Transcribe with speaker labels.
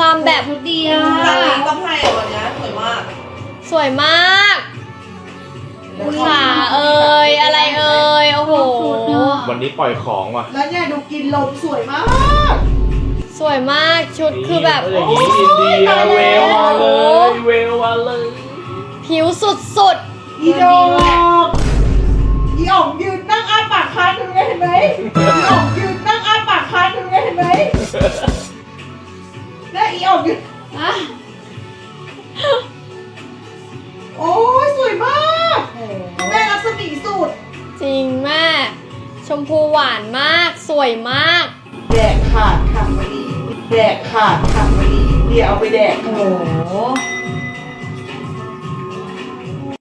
Speaker 1: ความแบบ
Speaker 2: ชุดดีอ่ะ
Speaker 3: ร้านนี้ต้องให้อ่ะวันนี้สวยมาก
Speaker 1: สวยมากขาเอ่ยอะไรเอ่ยโอ้โห
Speaker 4: วันนี้ปล่อยของว่ะ
Speaker 3: แล้วเนี่ยดูกินลมสวยมาก
Speaker 1: สวยมากชุดคือแบบ
Speaker 4: อย่างนี้อินเดียเวลมาเลยเวลมาเลย
Speaker 1: ผิวสุด
Speaker 3: อีดอกอีอ๋องยืนนั่งอ้าปากค้างตรงนี้เห็นไหมอีอ๋องยืนนั่งอ้าปากค้างตรงนี้เห็นไหมแล้วอีอ๋องยืน
Speaker 2: อ่ะ
Speaker 3: โอ้ยสวยมากแม่รัศมีสุด
Speaker 1: ๆ จริงแม่ชมพูหวานมากสวยมาก
Speaker 3: แดกขาดค่ะวันนี้แดกขาดค่ะวันนี้เดี๋ยวเอาไปแดก
Speaker 2: โอ้โห